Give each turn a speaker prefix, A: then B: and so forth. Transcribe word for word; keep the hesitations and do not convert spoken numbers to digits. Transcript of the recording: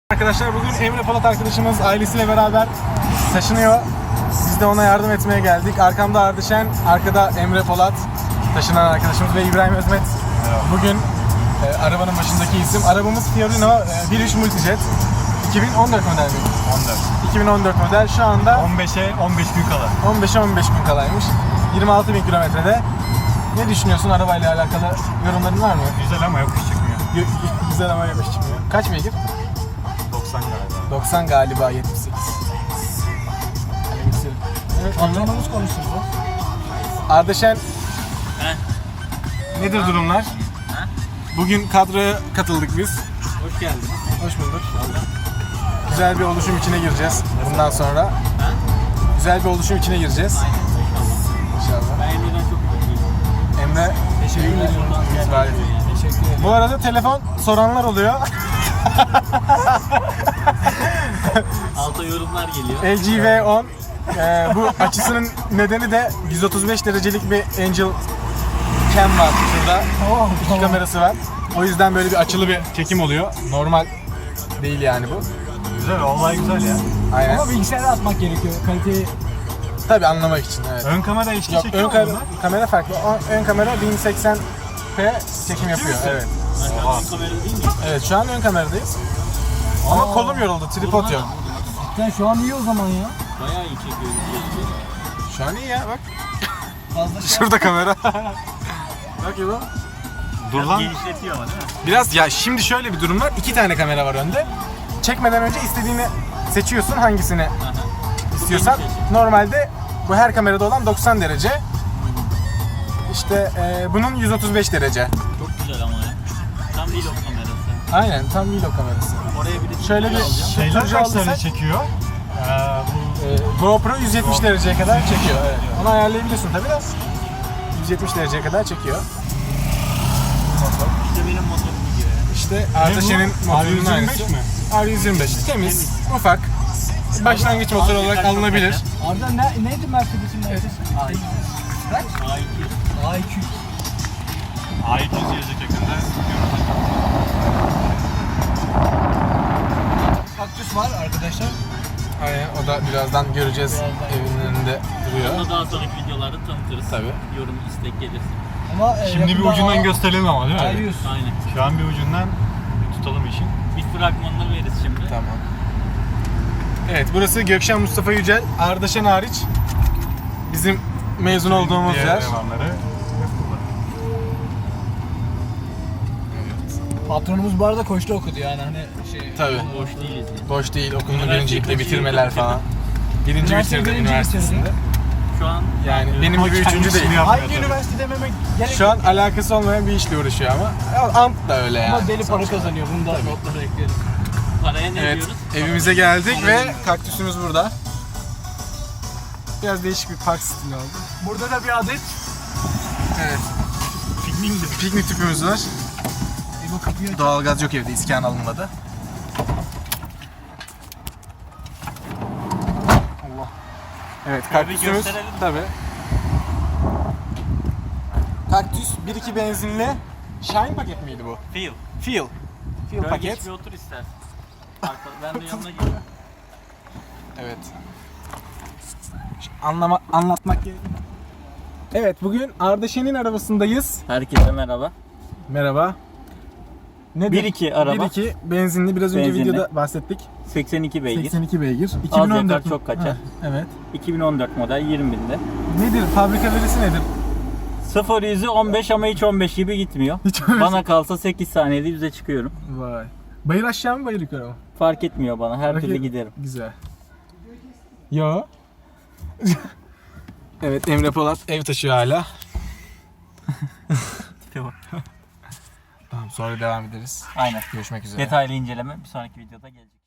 A: Arkadaşlar bugün Emre Polat arkadaşımız ailesiyle beraber taşınıyor. Biz de ona yardım etmeye geldik. Arkamda Ardışen, arkada Emre Polat, taşınan arkadaşımız ve İbrahim Özmet. Bugün e, arabanın başındaki isim. Arabamız Fiorino e, bir nokta üç Multijet. iki bin on dört model mi?
B: on dört.
A: iki bin on dört model. Şu anda
B: on beşe on beş gün kala.
A: on beşe on beş gün kalaymış. yirmi altı bin kilometrede. Ne düşünüyorsun arabayla alakalı? Yorumların var mı?
B: Güzel ama yokuş çıkmıyor.
A: Güzel ama yokuş çıkmıyor. Kaç beygir?
B: doksan galiba.
A: doksan galiba, yetmiş sekiz. Evet,
C: Patronumuz konuşsun bu.
A: Ardışen, nedir durumlar? Bugün kadroya katıldık biz.
C: Hoş geldin.
A: Hoş bulduk. Güzel bir oluşum içine gireceğiz bundan sonra. Güzel bir oluşum içine gireceğiz. İnşallah.
C: Ben Emre'den çok mutluyum.
A: Emre,
C: Teşekkür ederim.
A: itibariyle.
C: Teşekkür ederim.
A: Bu arada telefon soranlar oluyor.
C: Alta yorumlar geliyor.
A: L G V on. Ee, bu açısının nedeni de yüz otuz beş derecelik bir Angel Cam var şurada. İki kamerası var. O yüzden böyle bir açılı bir çekim oluyor. Normal değil yani bu.
B: Güzel, olay güzel ya.
A: Aynen.
C: Ama bilgisayara atmak gerekiyor. Kaliteyi
A: Tabii anlamak için, evet.
B: Ön kamera eşki
A: Yok,
B: çekiyor
A: ön
B: mu
A: kamera,
B: bunlar?
A: kamera farklı. O- Ön kamera bin seksen p çekim yapıyor.
B: misin?
A: Evet.
B: Oha.
C: kamera değil mi?
A: Evet, şu an ön kameradayız. Ama
C: Aa.
A: kolum yoruldu, tripod yok.
C: Sen şu an iyi o zaman ya. Bayağı iyi çekiyor.
A: Şu an iyi ya, bak.
C: Fazla şey
A: Şurada kamera. Bak İbo.
B: Dur lan.
C: genişletiyor ama değil mi?
A: Biraz ya şimdi şöyle bir durum var. İki tane kamera var önde. Çekmeden önce istediğini seçiyorsun, hangisini istiyorsan. Normalde bu her kamerada olan doksan derece. İşte e, bunun yüz otuz beş derece.
C: Çok güzel ama ya. Tam vlog kamerası.
A: Aynen, tam vlog kamerası.
C: Oraya bir de
A: Şöyle bir
B: Şeyler
A: turcu
B: kaç
A: aldıysak,
B: derece çekiyor? Ee, bu
A: e, GoPro yüz yetmiş dereceye kadar çekiyor. Evet. Onu ayarlayabiliyorsun tabii de. yüz yetmiş dereceye kadar çekiyor.
C: İşte benim motorum gidiyor ya.
A: İşte Ardışen'in
B: R
A: motorunun
B: yüz yirmi beş
A: aynısı.
B: mi?
A: R yüz yirmi beş. Temiz, ufak. Başlangıç motor olarak alınabilir.
C: Arda ne, neydi Mercedes'in markası? A iki. Kaç? A iki. A iki.
B: A iki yüz yazacak yakında.
C: Kaktüs var arkadaşlar.
A: Aynen, o da birazdan göreceğiz.
C: Birazdan
A: Evinin önünde duruyor.
D: Onu daha sonraki videolarda tanıtırız.
A: Tabii.
D: Yorum, istek gelirse.
C: Ama e,
B: Şimdi bir
C: yakında
B: ucundan
C: A-
B: gösterelim ama değil mi?
C: A yüz.
D: Aynen.
B: Şu an bir ucundan bir tutalım işin.
D: Bir fragmanını veririz şimdi.
A: Tamam. Evet, burası Gökşen Mustafa Yücel. Ardışen hariç bizim mezun olduğumuz
B: Diğer
A: yer.
B: elemanları.
C: Patronumuz bu arada koçta okudu yani hani şey.
A: Tabii.
D: Boş değiliz yani.
A: Boş değil, okulunu
D: Üniversite
A: birincilikle
D: kaçıncı
A: bitirmeler
D: yılda
A: falan. Birinci
C: Üniversite
A: bitirdi
C: birinci
A: üniversitesinde.
C: bitirdi.
D: Şu an
A: Yani benim gibi üçüncü
B: Kendisini
A: değil.
B: yapmıyor
C: Hangi
B: tabii.
C: üniversite dememek gerek
A: Şu an alakası olmayan bir işle uğraşıyor ama. Ya, Ant da öyle yani.
C: ama deli para kazanıyor. Bunu da notlara ekleyelim.
D: paraya ne
A: Evet,
D: diyoruz?
A: evimize geldik ve kaktüsümüz burada. Biraz değişik bir park stili oldu.
C: Burada da bir adet
A: Evet,
B: Piknik
A: piknik tüpümüz var.
C: bu kapıyı aç.
A: Doğalgaz yok evde, iskan alınmadı. Allah. Evet, kaktüsümüz
D: gösterelim.
A: tabii. Kaktüs bir iki benzinli. Shine paket miydi bu?
D: Feel.
A: Feel. Feel
D: Böyle
A: paket.
D: geç bir otur istersen. Arka- Ben de yanına gireyim.
A: Evet. Anlama, anlatmak gerek. Evet, bugün Ardışen'in arabasındayız.
D: Herkese merhaba.
A: Merhaba. Nedir?
D: bir iki araba.
A: bir iki benzinli, biraz önce
D: Benzinli.
A: videoda bahsettik.
D: seksen iki beygir.
A: seksen iki beygir.
D: Az yakar, çok kaçar.
A: Ha, evet.
D: iki bin on dört model yirmi binde.
A: Nedir? Fabrika verisi nedir?
D: sıfır yüzü on beş ama hiç on beş gibi gitmiyor.
A: Hiç öyle-
D: Bana kalsa sekiz saniyede yüze çıkıyorum.
A: Vay. Bayır aşağı mı, bayır yukarı mı?
D: Fark etmiyor bana. Her
A: Peki-
D: türlü giderim.
A: Güzel. Yo. Evet, Emre Polat ev taşıyor hala. Tamam, sonra devam ederiz.
D: Aynen.
A: Görüşmek üzere.
D: Detaylı inceleme bir sonraki videoda gelecek.